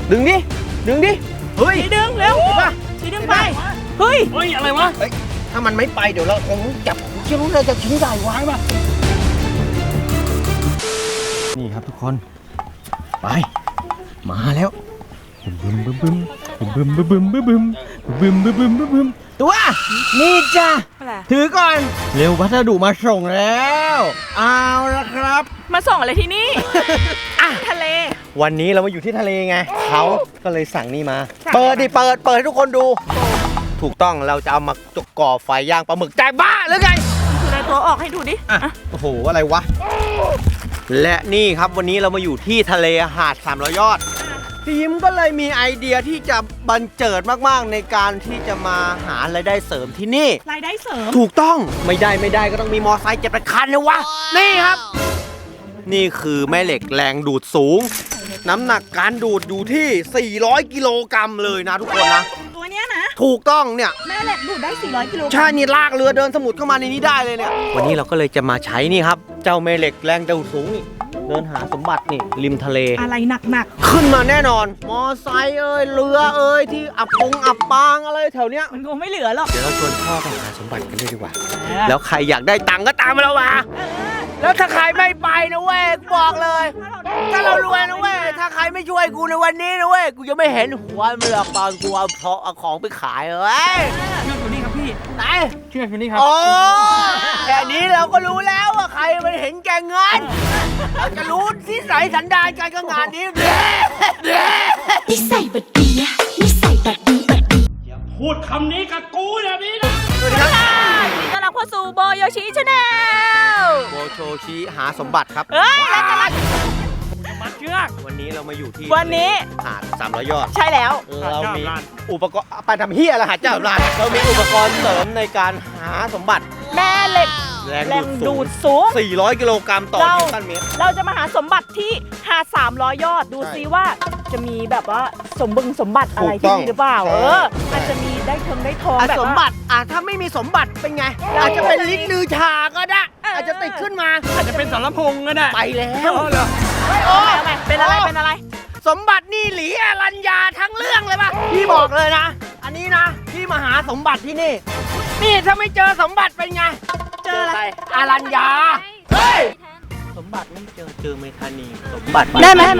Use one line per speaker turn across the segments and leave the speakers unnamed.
ดึงดิเฮ้ย
ดึงเร็วดึงไปเฮ้ย
อะไรวะ
ถ้ามันไม่ไปเดี๋ยวเราคงจับเชือกเราจะชิ้นใหญ่ไว้ป่ะนี่ครับทุกคนไปมาแล้วตัวนี่จ้ะถือก่อนเร็ววัสดุมาส่งแล้วเอาละครับ
มาส่งอะไรที่นี่ทะเล
วันนี้เรามาอยู่ที่ทะเลไงเขาก็เลยสั่งนี่มาเปิดให้ทุกคนดูถูกต้องเราจะเอามาก่อไฟย่างปลาหมึกใจบ้าหรือไง
คืออะไรตัวออกให้ดูดิ
โอ้โหอะไรวะและนี่ครับวันนี้เรามาอยู่ที่ทะเลหาด300 ยอดทีมก็เลยมีไอเดียที่จะบันเจิดมากๆในการที่จะมาหารายได้เสริมที่นี่
รายได้เสริม
ถูกต้องไม่ได้ก็ต้องมีมอไซค์7 คันนะวะนี่ครับนี่คือแม่เหล็กแรงดูดสูงน้ำหนักการดูดอยู่ที่400 กิโลกรัมเลยนะทุกคนนะ
ตัวเนี้ยนะ
ถูกต้องเนี่ย
แม่เหล็กดูดได้400 กิโล
ใช่นี่ลากเรือเดินสมุทรเข้ามาในนี้ได้เลยเนี่ยวันนี้เราก็เลยจะมาใช้นี่ครับเจ้าแม่เหล็กแรงดูดสูงนี่เดินหาสมบัตินี่ริมทะเล
อะไรหนัก
ขึ้นมาแน่นอนมอไซค์เรือที่อับปางอะไรแถวเนี้ย
มันคงไม่เหลือหรอก
เดี๋ยวเราชวนพ่อไปหาสมบัติกันเลยดีกว่าแล้วใครอยากได้ตังค์ก็ตามมาเรามาแล้วถ้าใครไม่ไปนะเว้ยบอกเลยถ้าเรารวยนะเว้ยถ้าใครไม่ช่วยกูในวันนี้นะเว้ยกูจะไม่เห็นหัวมันหรอกตอนกูเอาของไปขายเว้ย
เชื่อคนนี้ครับพี่
ไหน
เชื่อคนนี้ครับ
โอ้แค่นี้เราก็รู้แล้วว่าใครมันเห็นแก่เงินเราจะรู้ที่ใส่สันดานการงานนี้
นิสัยบัดดีนิสัยบัดดี
อย่าพูดคำนี้กับกูแบบนี้นะ
สวัสดีครับต้อนรับเข้าสู่โบโยชิชาแนล
โบโชชิหาสมบัติครับ
แล้วกำลัง
มัดเชือก
วันนี้เรามาอยู่ที่
วันนี้
หาด300 ยอด
ใช่แล้ว
เรามีอุปกรณ์ไปทำเฮียอะไรหาเจ้าร้านเรามีอุปกรณ์เสริมในการหาสมบัติ
แม่เหล็กแรงดูดสูง
400 กิโลกรัมต่อนิวตันเมตร
เราจะมาหาสมบัติที่หาด300 ยอดดูซิว่าจะมีแบบว่าสมบัติอะไรที่นี่หรือเปล่าอาจจะมีได้ทองแบบ
สมบัติถ้าไม่มีสมบัติเป็นไงอาจจะเป็นลิ้นลือชาก็ได้อาจจะติดขึ้นมา
อาจจะเป็นสารพงก็ได้
ไปแล้ว
เป็นอะไร
สมบัตินี่หลีอรัญญาทั้งเรื่องเลยป่ะพี่บอกเลยนะอันนี้นะพี่มาหาสมบัติที่นี่ถ้าไม่เจอสมบัติเป็นไง
เจออะไร
อรัญญาเฮ้ยสมบัติไม่เจอเมธานีสมบัติ
ได้ไหม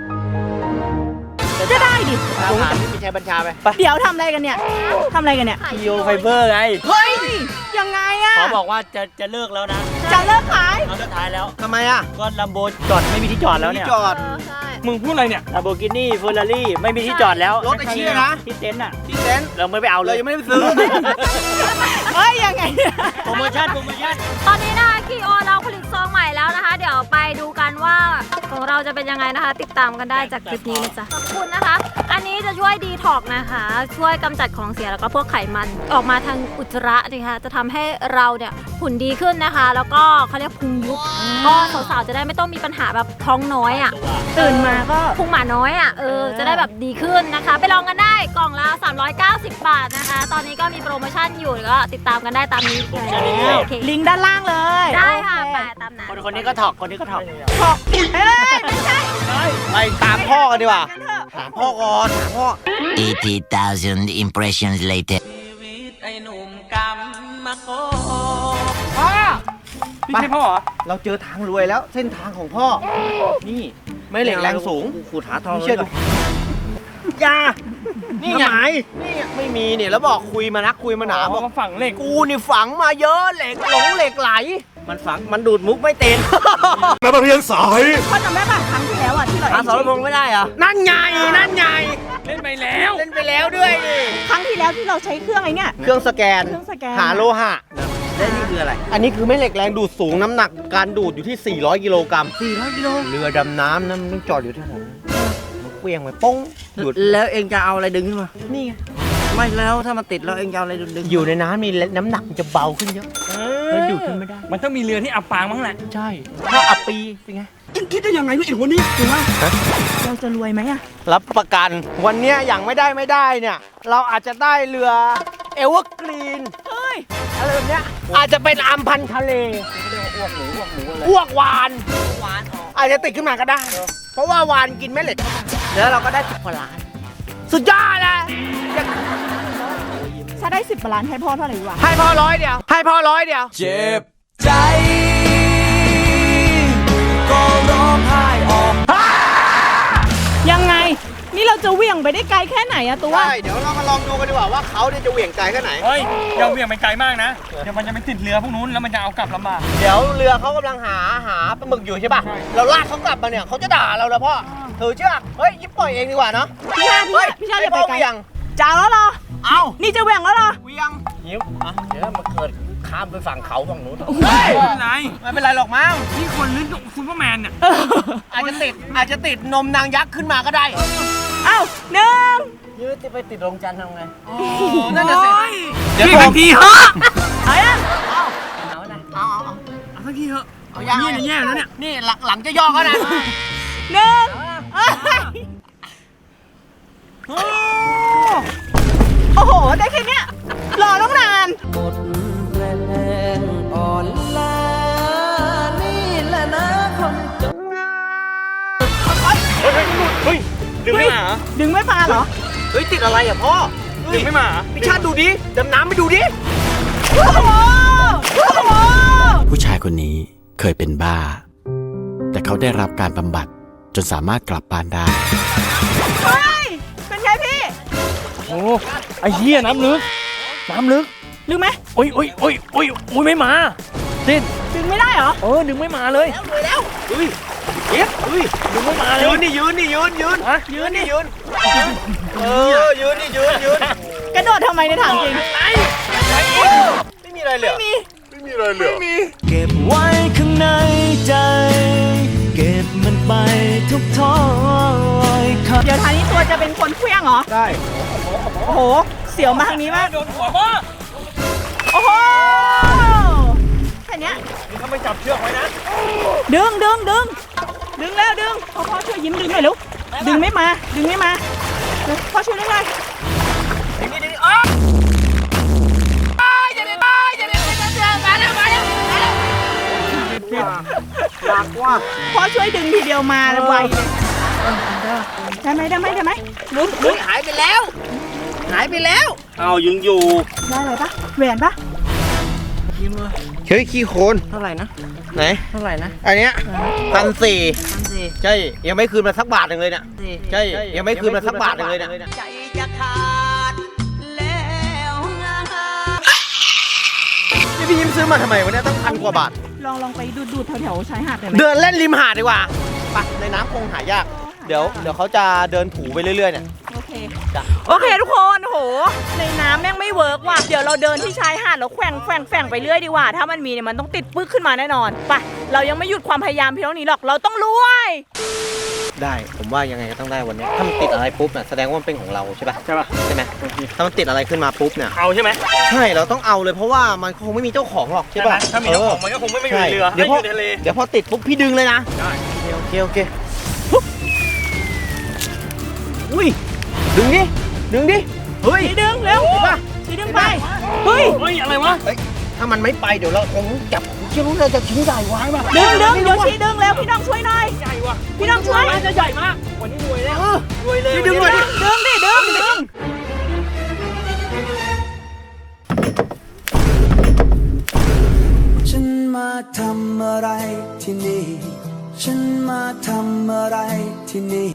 จะได้ดิ
พี่ชัยบัญชาไป
เดี๋ยวทำอะไรกันเนี่ย
พีโอไฟเบอร์ไง
เฮ้ยยังไงอะ
เขาบอกว่าจะเลิกแล้วนะ
จะเลิกขาย
เอาสุดท้ายแล้ว
ทำไม
ก็ลัมโบจอดไม่มีที่จอดแล้วเนี่ย
จอด
มึงพูดอะไรเนี่ยลัมโบกินี่เฟอร์รารี่ไม่มีที่จอดแล้ว
รถไอ้เชี่ยนะ
ที่เต็นท์
เราไม่ไปเอาเลยยังไม่ได้ซื้อ
ยังไง
โปรโมชั่น
ตอนนี้นะคะคีโอเราผลิตซองใหม่แล้วนะคะเดี๋ยวไปดูกันว่าของเราจะเป็นยังไงนะคะติดตามกันได้จากคลิปนี้นะจ๊ะขอบคุณนะคะอันนี้จะช่วยดีท็อกนะคะช่วยกำจัดของเสียแล้วก็พวกไขมันออกมาทางอุจจาระนะคะจะทำให้เราเนี่ยหุ่นดีขึ้นนะคะแล้วก็เขาเรียกพุงยุบก็สาวๆจะได้ไม่ต้องมีปัญหาแบบท้องน้อย
ตื่นมาก็
พุงหมาน้อยจะได้แบบดีขึ้นนะคะไปลองกันได้กล่องละ390 บาทนะคะตอนนี้ก็มีโปรโมชั่นอยู่ก็ติดตามกันได้ตามนี้
ลิงก์ด้านล่างเลย
ได้ค่ะไปตามนั้น
คนนี้ก็ถอกไม่
ใช่
ไปตามพ่อกันดีกว่าถามพ่อก่อนพ่อ
80,000 impressions later
ไอ้หนุ่มกำมะโกพ่อไม่ใช่พ่อเหรอ
เราเจอทางรวยแล้วเส้นทางของพ่อนี่ไม่เหล็กแรงสูง
ขูดหาทอง
ไม่เชื่อดูยานี่ไงนี่ไม่มีเนี่ยแล้วบอกคุยมานักคุยมาหนาบอก
ฝังเหล็ก
กูนี่ฝังมาเยอะเหล็กเหล็กไหลมันฝังมันดูดมุกไม่เต็ม
แม่มาเพียงสาย
พ่อจำได้ป่ะครั้งที่แล้วที่เรา
สารพงไม่ได้อะนั่นไง
เล่นไปแล้ว
ด้วย
ครั้งที่แล้วที่เราใช้เครื่องเนี่ย
เครื่องสแกนหาโลหะแล้วนี่คืออะไรอันนี้คือแม่เหล็กแรงดูดสูงน้ำหนักการดูดอยู่ที่400 กิโลกรัม400 กิโลเรือดำน้ำนั้นต้องจอดอยู่ที่ไหนเวียงไปป้ง
ดูดแล้วเองจะเอาอะไรดึงขึ้นมา
นี่ไง
ไม่แล้วถ้ามันติดแล้วเองจะเอาอะไรดึง
อยู่ในน้ำมีน้ำหนักจะเบาขึ้นเยอะแล้วดูดขึ้นไม่ได้
มันต้องมีเรือที่อับปางมั้งแหละ
ใช่ถ้าอับปีเป็นไง
คิดได้ยังไงนี่ไอ้หัวนี้ถูกไหม
เราจะรวยไหม
รับประกันวันนี้อย่างไม่ได้เนี่ยเราอาจจะได้เรือเอเวอร์กรีนอะไรแบบเนี้ยอาจจะเป็นอัมพันทะเลอ้วกวานอาจจะติดขึ้นมาก็ได้เพราะว่าวานกินแม่เหล็กแล้วเราก็ได้10 กว่าล้านสุดยอดเลย
ถ้าได้10 ล้านให้พ่อเท่าไหร่ดีวะ
ให้พ่อ100 เดียว ให้พ่อ100 เดียว
เจ็บใจก็ร้องไห้ออก
ยังไง นี่เราจะเหวี่ยงไปได้ไกลแค่ไหนอะตัว
ใช่ เดี๋ยวเรามาลองดูกันดีกว่าว่าเขาเนี่ยจะเหวี่ยงไกลแค่ไหน
เฮ้ยอย่าเหวี่ยงไปไกลมากนะ เดี๋ยวมันจะไปติดเรือพวกนู้นแล้วมันจะเอากลับลำบาก
เดี๋ยวเรือเขากำลังหาปลาหมึกอยู่ใช่ป่ะ เราลากเขากลับมาเนี่ยเขาจะด่าเรานะพ่อถือเชือกเฮ้ยยิบปล่อยเองดีกว่าเนาะ
พี่ชาติอย่าไปไกล
เหวี่ยง
จ้าแล้วเหรอ
เอา
นี่จะเหวี่ยงแล้วเหรอ
เหวี่ยงยิบอ่ะเดี๋ยวมาเกิดข้ามไปฝั่งเขาฝั่งนู้น
ไหน
ไม่เป็นไรหรอกมั้ง
นี่คนลิ้นซูเปอร์แมนเนี่ย
อาจจะติดนมนางยักษ์ขึ้นมาก็ได้
เอ้าหนึ่ง
ยืดจะไปติดดวงจันทร์ทำไง
นั่นน่ะสิ
เดี๋ยว
พี่
ผ
บาม งทีเหอะ
เอายัง
เอาสักทีเหอะ
เอายัง
นี่เนี่ยแย่แล้วเนี่ย
นี่หลังจะย่อก็นะ
หนึ่งโอ้โห ได้แค่เนี้ยรอต้องนาน
หมดแรงอ่อนล้านี่แหละนะคนจน
เฮ้ยดึงไม่มาเหรอ
ดึงไม่มาเหรอ
เฮ้ยติดอะไรอ่ะพ่อ
ดึงไม่มาเหรอ
พี่ชาติดูดิดำน้ำไปดูดิ
โอ้โหโอ้โห
ผู้ชายคนนี้เคยเป็นบ้า แต่เขาได้รับการบำบัดจนสามารถกลับบ้านได้
เฮ้ย เป็นไงพี่
โอ้ไอ้เหี้ยน้ำลึก น้ำลึก
ดึงไหม
โอ้ยไม่มาดิ้น
ดึงไม่ได้เหรอ
ดึงไม่มาเลย
เฮ้ยเย็บเฮ้ย
ดึงไม่มาเลย
ยืนนี่ยืน
ฮะ
ยืนยืนยืน
กระโดดทำไมในยถามจริง
ไม่มีอะไรเหลือ
เก็บไว้ข้างในใจ เก็บมันไปทุกท้อยคำ
เดี๋ยวทางนี้ตัวจะเป็นคนเคลี้ยงเหรอ
ได้
โอ้โห เสียวมาทางนี้มาก
โดนหัวพ่อ
โอ้โห แค่เนี้ย
นี่เขาไม่จับเชือกไว้นะ
ดึงแล้วดึงพ่อช่วยยิ้มดึงหน่อยลูกดึงไม่มาเดี๋ยวพ่อช่วยดึงหน่อย พ่อช่วยดึงทีเดียวมาไวเลยได้ไหมดึง
หายไปแล้ว
เอายังอยู่
ได้เลยปะแหวนปะ
เฮ้ยขี้โคลน
เท่าไหร่นะ
ไหน
เท่าไหร่นะ
อันเนี้ย1,400ใช่ ยังไม่คืนมาสักบาทหนึ่งเลยเนี่ยใช่ ยังไม่คืนมาสักบาทหนึ่งเลยเนี่ย
ใจจะขาดแล้วงา
นี่พี่ยิ้มซื้อมาทำไมวะเนี่ยต้อง1,000 กว่าบาท
ลองไปดูดแถวๆชายหาดได้ไหม
เดินเล่นริมหาดดีกว่าไปในน้ำคงหายาก เดี๋ยวเขาจะเดินถูไปเรื่อยๆเนี่ย
โอเคทุกคนโหในน้ำแม่งไม่เวิร์กว่ะเดี๋ยวเราเดินที่ชายหาดแล้วแฝงไปเรื่อยดีกว่าถ้ามันมีเนี่ยมันต้องติดปึ๊กขึ้นมาแน่นอนไปเรายังไม่หยุดความพยายามเพียงเท่านี้หรอกเราต้องรวย
ได้ผมว่ายังไงก็ต้องได้วันนี้ถ้ามันติดอะไรปุ๊บเนี่ยแสดงว่ามันเป็นของเราใช่ป่ะใช่ไหมถ้ามันติดอะไรขึ้นมาปุ๊บเนี่ย
เอาใช่ไหม
ใช่เราต้องเอาเลยเพราะว่ามันคงไม่มีเจ้าของหรอกใช่ป่ะ
ถ้ามีเจ้าของมันก็คงไม่อยู่ในเรือ
เดี๋ยวพอ
ไม่อยู่ในทะเล
เดี๋ยวพอติดปุ๊บพี่ดึงเลยนะ
ได้
โอเคอุ้ยดึงดิเฮ้ย
ดึงเร็ว
ป่ะ
ดึงไปเฮ้ย
เฮ้ยอะไรวะ
ถ้ามันไม่ไปเดี๋ยวเราคงจับเชื่อรู้เราจะชิ้นใหญ่ไว้ป่ะ
ดึงโยชิดึงเร็วพี่น้องช่วยหน่อย
ใหญ่ว่ะ
พี่น้องช่วย
น่าจะใหญ่มากวันนี้รวยแล้วรวยเลย
ดึงหน่อยดิ
ดึง
ฉันมาทำอะไรที่นี่ ฉันมาทำอะไรที่นี่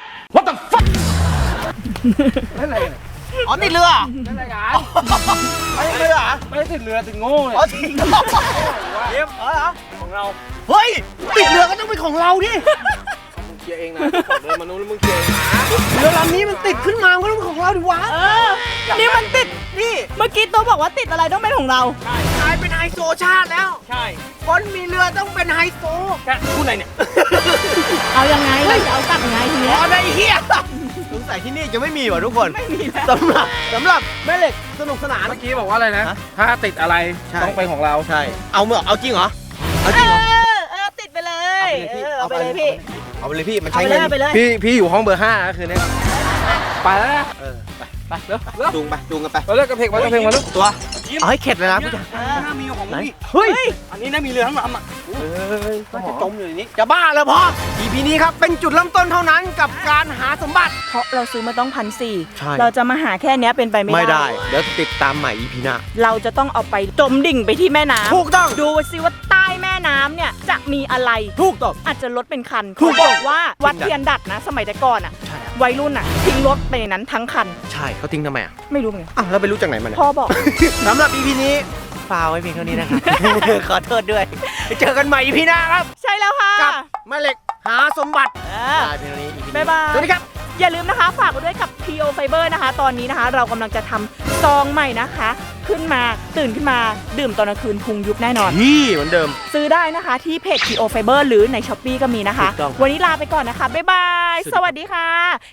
อ๋อติดเรือนั่นแหละกันไม่ติดเรือ
ไม่ได้ติดเรือติดโง่เลย
อ๋อติดเรือ
เยี่ยม
เหรอ
ของเรา
เฮ้ยติดเรือก็ต้องเป็นของเราดิ
มึงเคลียร์เองนะขอเดินมานู้นแล้วมึงเคลียร์เองนะ
เรือลำนี้มันติดขึ้นมาก็ต้องเป็นของเราดิวะ
นี่มันติด
นี่
เมื่อกี้ตัวบอกว่าติดอะไรต้องเป็นของเรา
กลายเป็นไฮโซชาติแล้ว
ใช่
คนมีเรือต้องเป็นไฮโซ
แค่พูดอะไรเนี่ย
เอายังไงเราจะเอากลับยังไงที
อ๋
เนี้ย
อได้เฮียสงสัยที่นี่จะไม่มีว่ะทุกคน
ไม่มีแล้ว
สำหรับแม่เหล็กสนุกสนาน
เมื่อกี้บอกว่าอะไรนะ
ฮะ
ถ้าติดอะไร
ใช่
ต้องเป็นของเรา
ใช่เอาเมื่อเอาจริงเหรอเอาจ
เอ
ริงเหรอ
อติดไปเลยเอาไปเลยพี่
เอาไปเลยพี่มัน
เอา
ใช้
ไปเล
เงิ
ย
น
เอาไปเลย
พี่อยู่ห้องเบอร์ 5 ก็คือเนี่ยไปแล้วนะ
เออไป
ไปเร็ว
จูงกันไป
ไปเร็วกระเพกมาลูก
ตัวเอาให้เข็ดเลยนะผู้ชาย
ถ้ามีของนี่
เฮ้ย
อันนี้น่ามีเรือทั้งลำอ่ะ
ก็จะจมอยู่ในนี้จะบ้าแล้วพอ EP นี้ครับเป็นจุดเริ่มต้นเท่านั้นกับการหาสมบัติ
เพราะเราซื้อมาต้อง1,400
ใช่
เราจะมาหาแค่เนี้ยเป็นไปไม่
ไม่ได้
ได้
เดี๋ยวติดตามใหม่ EP หน้า
เราจะต้องเอาไปจมดิ่งไปที่แม่น้ำ
ถูกต้อง
ดูสิว่าใต้แม่น้ำเนี่ยจะมีอะไร
ถูกต้อง
อาจจะรถเป็นคัน
ถู
เขา
กต้อง
บอกว่าวัดเทียนดัดนะ สมัยแต่ก่อนอ่ะ
ใช่
วัยรุ่นอ่ะทิ้งรถไปในนั้นทั้งคัน
ใช่เขาทิ้งทำไมอ่ะ
ไม่รู้เหมือนกัน
อ้าวเราไปรู้จากไหนมาเนี่ย
พ่อบอก
สำหรับ EP นี้ฟาวไว้เพียงเท่านี้นะครับ ขอโทษด้วยไปเจอกันใหม่ EP หน้าครับ
ใช่แล้วค่ะ
กับแม่เหล็กหาสมบัติ
เออ
ลาไปเท่านี้ EP นี้
บ๊ายบาย
สวัสดีครับ
อย่าลืมนะคะ ฝากไว้ด้วยกับ PO Fiber นะคะ ตอนนี้นะคะ เรากำลังจะทำซองใหม่นะคะ ขึ้นมาตื่นขึ้นมาดื่มตอนกลางคืนพุงยุบแน่นอน
นี่เหมือนเดิม
ซื้อได้นะคะที่เพจ PO Fiber หรือใน Shopee ก็มีนะคะ
ถูกต้อง
วันนี้ลาไปก่อนนะคะ บ๊ายบาย สวัสดีค่ะ